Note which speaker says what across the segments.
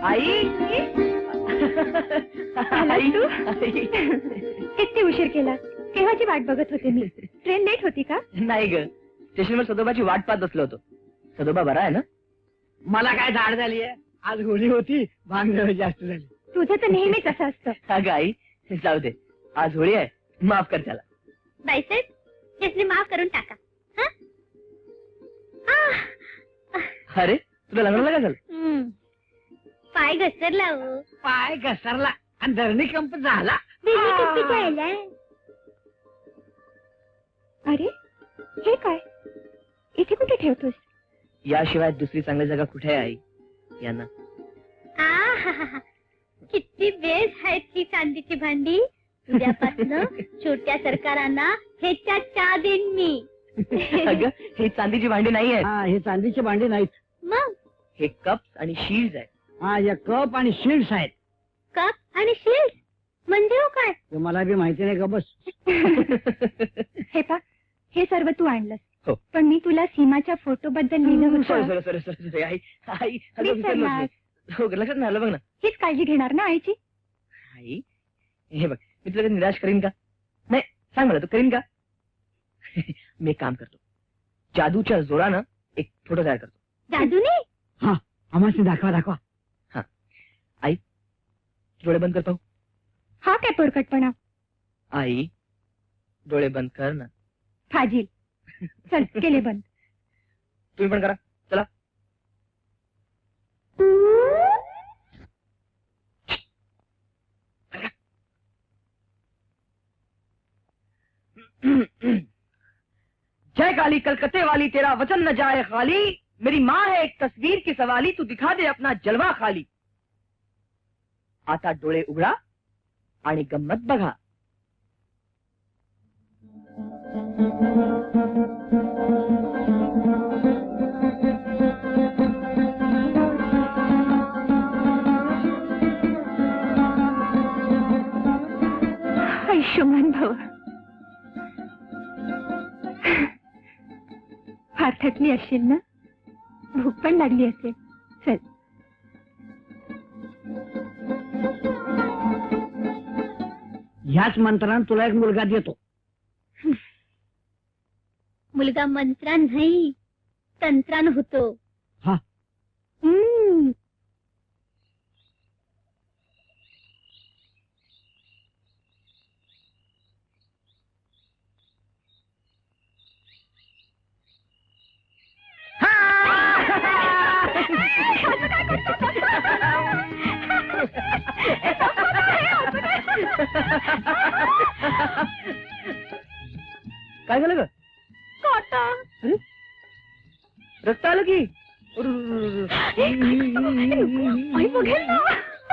Speaker 1: आई
Speaker 2: आलास तू? किती उशीर केला? केव्हाची वाट बघत होते मी. ट्रेन लेट होती का?
Speaker 1: नाही ग, स्टेशनवर सदोबाची वाट पाहत बसलो होतो. सदोबा बरा आहे ना?
Speaker 3: मला काय धाड झाली आहे. आज होळी होती, भांग जरा जास्त झाली.
Speaker 2: तुझं तर नेहमीच असं असतं.
Speaker 1: अगं आई, जाऊ दे, आज होळी आहे, माफ कर त्याला.
Speaker 2: बाईसाहेब, त्यासनी माफ करून टाका.
Speaker 1: अरे तुला लग्नाला काय झालं?
Speaker 2: पाय घसरला हो.
Speaker 3: पाय घसरला आणि धरणी कंप झाला.
Speaker 2: अरे हे काय? इथे कुठे ठेवतोस?
Speaker 1: याशिवाय दुसरी चांगली जागा कुठे आहे आई? यांना
Speaker 2: किती बेस आहेत ती चांदीची भांडी. उद्यापासून छोट्या सरकारांना ह्याच्या चहा देईन मी.
Speaker 1: अगं ही चांदीची भांडी नाही आहेत.
Speaker 3: हा, हे चांदीचे भांडी नाहीत.
Speaker 2: मग
Speaker 1: हे कप्स आणि शील्ड आहेत.
Speaker 3: हा, या कप आणि शील्ड्स आहेत.
Speaker 2: कप आणि शील्ड म्हणजे हो काय?
Speaker 3: ते मला बी माहिती नाही का. बस
Speaker 2: हे पा, हे सर्व तू आणलंस.
Speaker 1: हो.
Speaker 2: पण मी तुला सीमाच्या फोटो बद्दल लिहिलं
Speaker 1: सॉरी
Speaker 2: होतं.
Speaker 1: सॉरी सॉरी सॉरी आई आई अगं
Speaker 2: विसरलास.
Speaker 1: विसरलोच मी. हो लक्षात नाही आलं बघ ना.
Speaker 2: हीच काळजी घेणार ना आईची?
Speaker 1: आई हे बघ, मी तुला कधी निराश करीन का? नाही, सांग मला, तू करीन का? मी एक काम करतो, जादूच्या जोरानं एक फोटो तयार करतो.
Speaker 2: जादूने?
Speaker 3: हा, आम्हाला दाखवा दाखवा.
Speaker 1: आई डोळे बंद कर पाहू.
Speaker 2: हा काय पोरकटपणा?
Speaker 1: आई डोळे बंद कर ना.
Speaker 2: फाजील. चल केले बंद.
Speaker 1: तुम्ही पण करा, चला. जय काली कलकत्ते वाली, तेरा वचन न जाए खाली. मेरी माँ है एक तस्वीर की सवाली, तू दिखा दे अपना जलवा खाली. आता डोळे उघडा आणि गंमत बघा.
Speaker 2: आयुष्यमान भव. फार थकली असशील ना? भूक पण लागली असेल. चल.
Speaker 3: ह्याच मंत्रानं तुला एक मुलगा देतो.
Speaker 2: मुलगा मंत्रान नाही, तंत्रान होतो.
Speaker 3: हा.
Speaker 1: काय झालं ग?
Speaker 2: काटा.
Speaker 1: अरे रक्त आलं की.
Speaker 2: आई बघेल ना.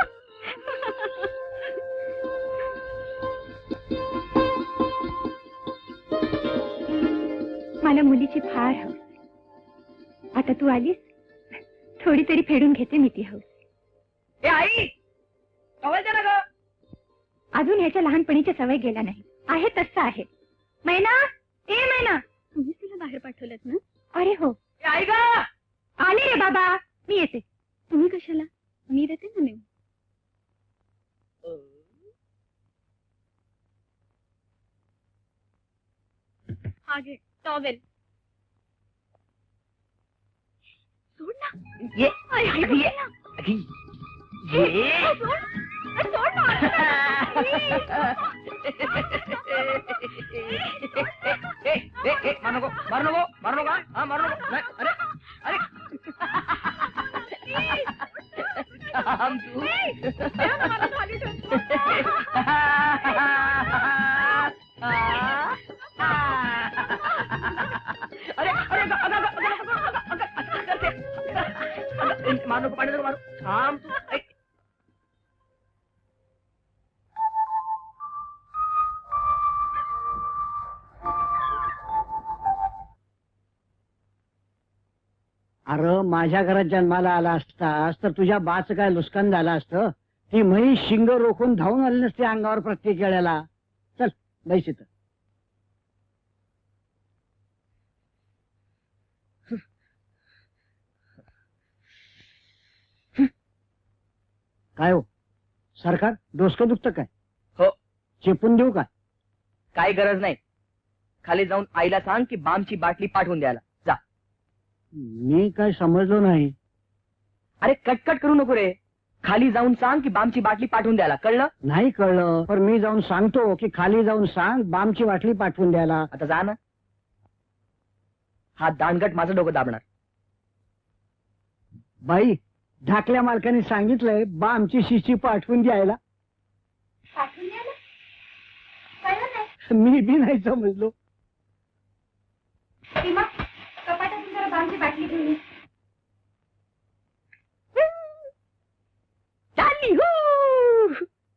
Speaker 2: मला मुलीची फार हौस. आता तू आलीस, थोडी तरी फेडून घेते मी ती हौस.
Speaker 1: ए आई आवाज द्या ना ग.
Speaker 2: अजून ह्याच्या लहानपणीची सवय गेला नाही. आहे तसं आहे. मैना, ए मैना. तुम्ही तुला बाहेर पाठवलं ना? अरे हो.
Speaker 1: ए आई ग.
Speaker 2: आले रे बाबा, मी येते. तुम्ही कशाला? मी देते ना नेऊन. हा घे टॉवेल. सोड ना.
Speaker 1: ये
Speaker 2: आई, आई,
Speaker 1: अगं, ये
Speaker 2: बघ ना.
Speaker 1: अगं, ये
Speaker 2: सोड ना.
Speaker 1: मार नको मार नको मार नको. हा मार नको. नाही, अरे अरे थांब तू. अरे अरे मार नको, पाणी नको मारू. थांब तू.
Speaker 3: अरे माझ्या घरात जन्माला आला असतास तर तुझ्या बाचं काय नुकसान झालं असतं. ती म्हैस शिंग रोखून धावून आली नसते अंगावर प्रत्येक वेळेला. चल बैस इथं. काय हो सरकार डोसकं दुखतं काय?
Speaker 1: हो.
Speaker 3: चेपून देऊ का?
Speaker 1: काही गरज नाही. खाली जाऊन आईला सांग की बामची बाटली पाठवून द्यायला. जा.
Speaker 3: मी काय समजलो नाही.
Speaker 1: अरे कटकट करू नको रे. खाली जाऊन सांग की बामची बाटली पाठवून द्यायला. कळलं?
Speaker 3: नाही कळलं पण मी जाऊन सांगतो की खाली जाऊन सांग बामची बाटली पाठवून द्यायला.
Speaker 1: आता जा ना. हा दांडगट माझं डोकं दाबणार.
Speaker 3: बाई ढाकल्या मालकाने सांगितलंय बामची शिशी पाठवून द्यायला.
Speaker 2: पाठवून द्यायला? कळलं नाही.
Speaker 3: मी बी नाही समजलो.
Speaker 2: सीमा, कपाटातून जरा बामची बाटली घेऊन ये.
Speaker 1: चालली हो.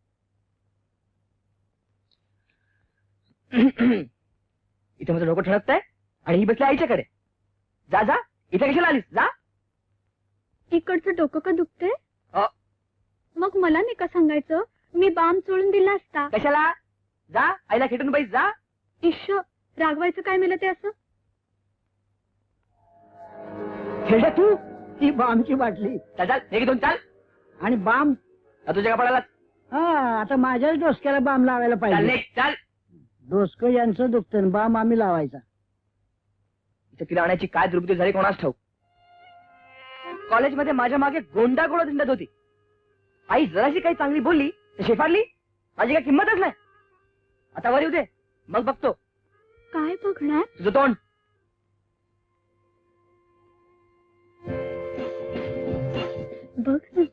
Speaker 1: इथे माझं डोकं ठणकतंय आणि ही बसली आईच्याकडे. जा जा. इथे कशाला आलीस? जा.
Speaker 2: इकडचं डोकं का दुखतंय?
Speaker 1: अ.
Speaker 2: मग मला नाही का सांगायचं? मी बाम चोळून दिला असता.
Speaker 1: कशाला? जा आईला खेटून बैस. जा.
Speaker 2: इश्श, रागवायचं काय मिळलं ते असं?
Speaker 3: खेळ तू ती बामची बाटली
Speaker 1: चाल चाल. एक दोन चाल.
Speaker 3: आणि बाम
Speaker 1: तुझ्या कपाळाला.
Speaker 3: हा आता माझ्याच डोसक्याला बाम लावायला
Speaker 1: चाल
Speaker 3: पाहिजे.
Speaker 1: निघ, चाल.
Speaker 3: डोसकं यांचं दुखतं बाम आम्ही लावायचा.
Speaker 1: इथे तिला आणायची काय दुर्बुद्धी झाली कोणास ठाऊक. कॉलेजमध्ये माझ्या मागे गोंडा गोळा दिंडत होती. आई जराशी काही चांगली बोलली तर शेफारली. माझी काही किंमतच नाही. आता वर येऊ दे मग बघतो.
Speaker 2: काय बघणार?
Speaker 1: तुझं तोंड.
Speaker 2: बघ ना.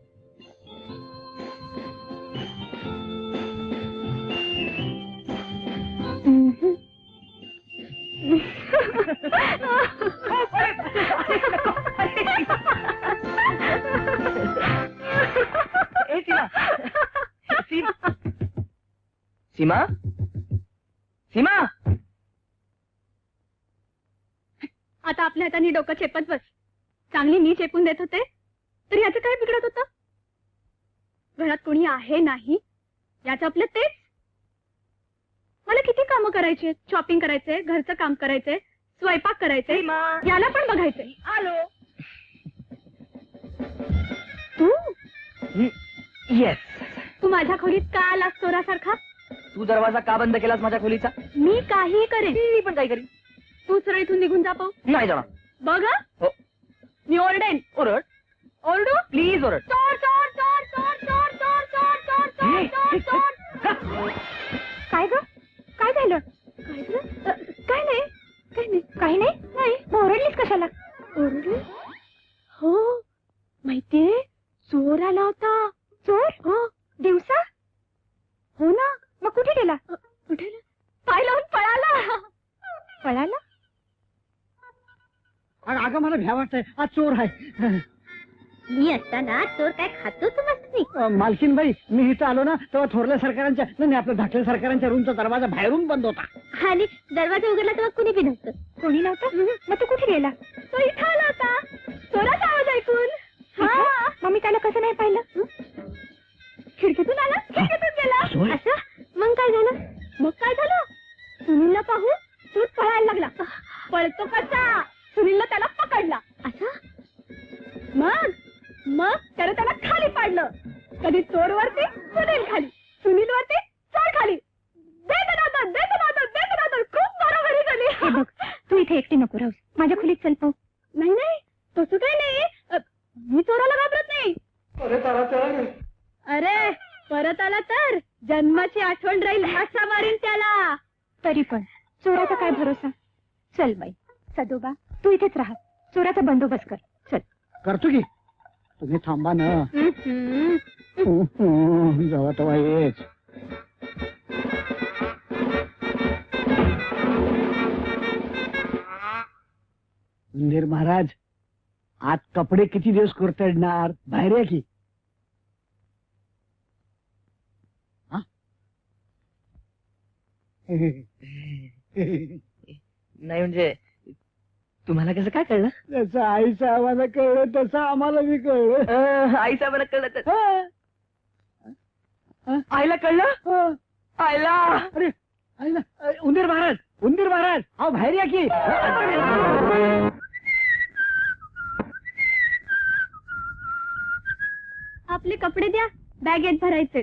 Speaker 1: ए सीमा. सीमा. सीमा.
Speaker 2: आता आपल्या हाताने डोकं चेपत बस. चांगली मी चेपून देत होते तर याचं काय बिघडत होतं? घरात कोणी आहे नाही याचं आपलं तेच. मला किती कामं करायची, शॉपिंग करायचंय, घरचं काम करायचंय, स्वयंपाक करायचंय,
Speaker 1: सीमा.
Speaker 2: याला पण बघायचंय.
Speaker 1: आलो.
Speaker 2: तू
Speaker 1: येस.
Speaker 2: तू माझ्या खोलीत का आलास चोरासारखा?
Speaker 1: तू दरवाजा का बंद केलास माझ्या खोलीचा?
Speaker 2: मी काही करेन.
Speaker 1: मी पण काही करीन.
Speaker 2: तू सरळ इथून निघून जा पाहू.
Speaker 1: नाही जाणार.
Speaker 2: बघ हं.
Speaker 1: हो.
Speaker 2: मी ओरडेन.
Speaker 1: ओरड.
Speaker 2: ओरडू?
Speaker 1: प्लीज ओरड.
Speaker 2: चोर चोर चोर चोर चोर चोर चोर चोर चोर चोर चोर. काय ग? काय झालं? काय झालं? काय नाही काय नाही काही नाही. नाही मग ओरडलीस कशाला? ओरडली? हो माहितीये चोर आला होता. चोर? हो. दिवसा? हो ना. मग कुठे गेला? कुठे? पाय लावून पळाला. पळाला?
Speaker 3: अगं मला भ्या वाटतंय आज चोर आहे.
Speaker 2: मी असताना चोर काय खातो तू मस्ती?
Speaker 3: मालकीन बाई मी इथं आलो ना तेव्हा थोरल्या सरकारांच्या नाही आपल्या धाकल्या सरकारांच्या रूमचा दरवाजा बाहेरून बंद होता.
Speaker 2: आणि दरवाजा उघडला तेव्हा कुणी बी नव्हतं. कोणी नव्हतं? मग तू कुठे गेला? तो इथं आला होता चोराचा आवाज ऐकून. हा मग मी त्याला कसं नाही पाहिलं? खिडकीतून आला, खिडकीतून गेला. असं मग काय झालं? मग काय झालं? सुनीलला पाहून तू पळायला लागला. पळतो कसा? सुनीलला त्याला पकडला. असं मग मग त्याला खाली पाडलं. कधी चोर वरती सुनील खाली, सुनील वरती चोर खाली. खूप बरोबरी झाली. तू इथे एकटी नको राहूस. माझ्या खोलीत चल पाहू. नाही नाही तसं काही नाही. मी चोराला घाबरत नाही. अरे परत आला तर जन्माची आठवण राहील असा मारीन त्याला. तरी पण चोराचा काय भरोसा. चल बाई सदोबा तू इथेच राहा. चोराचा बंदोबस्त कर. चल.
Speaker 3: करतो की तुम्ही थांबा ना. जेव्हा तेव्हा येच. उंदीर महाराज आज कपडे किती दिवस कुरतडणार? बाहेर या की. हा?
Speaker 1: नाही म्हणजे तुम्हाला कसं काय कळलं?
Speaker 3: जसं आईचं आम्हाला कळलं तसं आम्हाला बी कळलं.
Speaker 1: आई साहेबांना कळलं तर
Speaker 3: हा.
Speaker 1: आईला कळलं.
Speaker 3: हा.
Speaker 1: आईला.
Speaker 3: अरे आईला. उंदीर महाराज उंदीर महाराज अहो बाहेर या की.
Speaker 2: आपले कपडे द्या, बॅगेत भरायचे.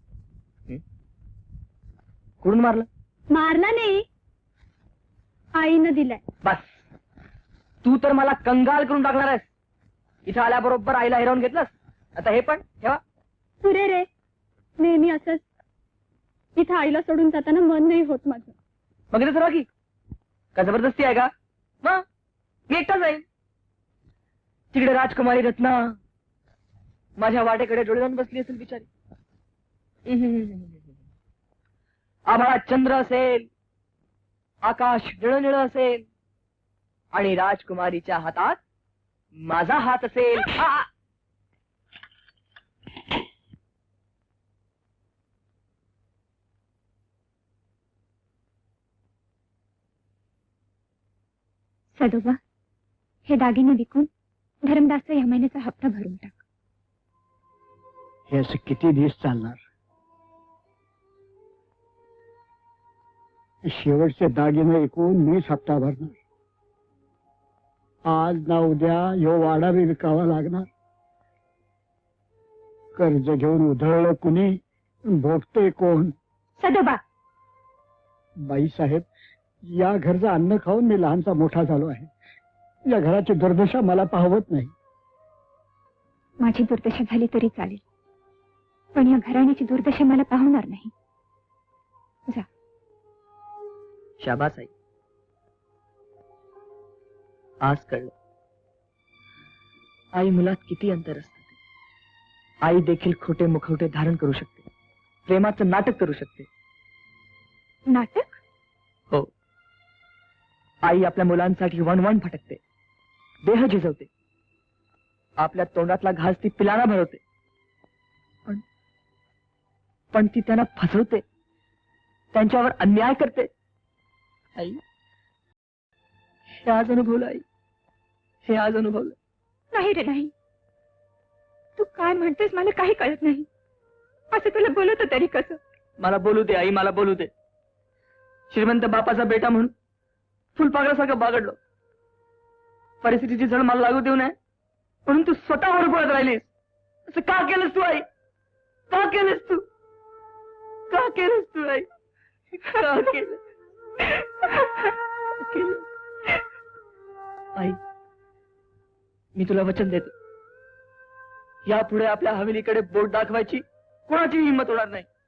Speaker 1: कुठून मारलं?
Speaker 2: मारला नाही, आईनं दिलाय.
Speaker 1: बस, तू तर मला कंगाल करून टाकणार आहेस. इथं आल्याबरोबर आईला हिरावून घेतलंस, आता हे पण ठेवा.
Speaker 2: पुरे रे, नेहमी असंच. इथं आईला सोडून जाताना मन नाही होत माझं.
Speaker 1: मग इथं सर्व की का जबरदस्ती आहे का? मग मी एकटाच जाईन. तिकडे राजकुमारी रत्ना माझ्या वाटेकडे डोळे लावून बसली असेल बिचारी. आभाळात चंद्र असेल, आकाश निळं निळं असेल आणि राजकुमारीच्या हातात माझा हात असेल.
Speaker 2: सदोबा, हे दागिने विकून धर्मदासचा या महिन्याचा हप्ता भरून टाक.
Speaker 3: हे असं किती दिवस चालणार? शेवटचे दागिने ऐकून मीच हप्ता भरणार. आज ना उद्या ह्यो वाडा बी विकावा लागणार. कर्ज घेऊन उधळलं कुणी, भोगते कोण?
Speaker 2: सदोबा,
Speaker 3: बाईसाहेब, या घरचं अन्न खाऊन मी लहानचा मोठा झालो आहे. या घराची दुर्दशा मला पाहवत नाही.
Speaker 2: माझी दुर्दशा झाली तरी चालेल, पण या घराण्याची दुर्दशा मला पाहणार नाही. जा.
Speaker 1: शाबास आई, आज कळलं आई मुलात किती अंतर असतं. आई देखील खोटे मुखवटे धारण करू शकते, प्रेमाचं नाटक करू शकते.
Speaker 2: नाटक?
Speaker 1: हो, आई आपल्या मुलांसाठी वणवण फटकते, देह झिजवते, आपल्या तोंडातला घास ती पिलाना भरवते, पण ती त्यांना फसवते, त्यांच्यावर अन्याय करते. आई, हे आज अनुभवलं आई, हे आज अनुभवलं.
Speaker 2: नाही रे नाही, तू काय म्हणतेस मला काही कळत नाही. असं तुला बोलत तरी कसं?
Speaker 1: मला बोलू दे आई, मला बोलू दे. श्रीमंत बापाचा बेटा म्हणून फुलपाखरासारखं बागडलो. परिस्थितीची झळ मला लागू देऊ नये म्हणून तू स्वतःवर पळत राहिलीस. असं का केलंस तू आई? का केलंस तू? का केलंस तू आई? का केलं? आई, मी तुला वचन देतो, यापुढे आपल्या हवेलीकडे बोट दाखवायची कोणाची हिंमत होणार नाही.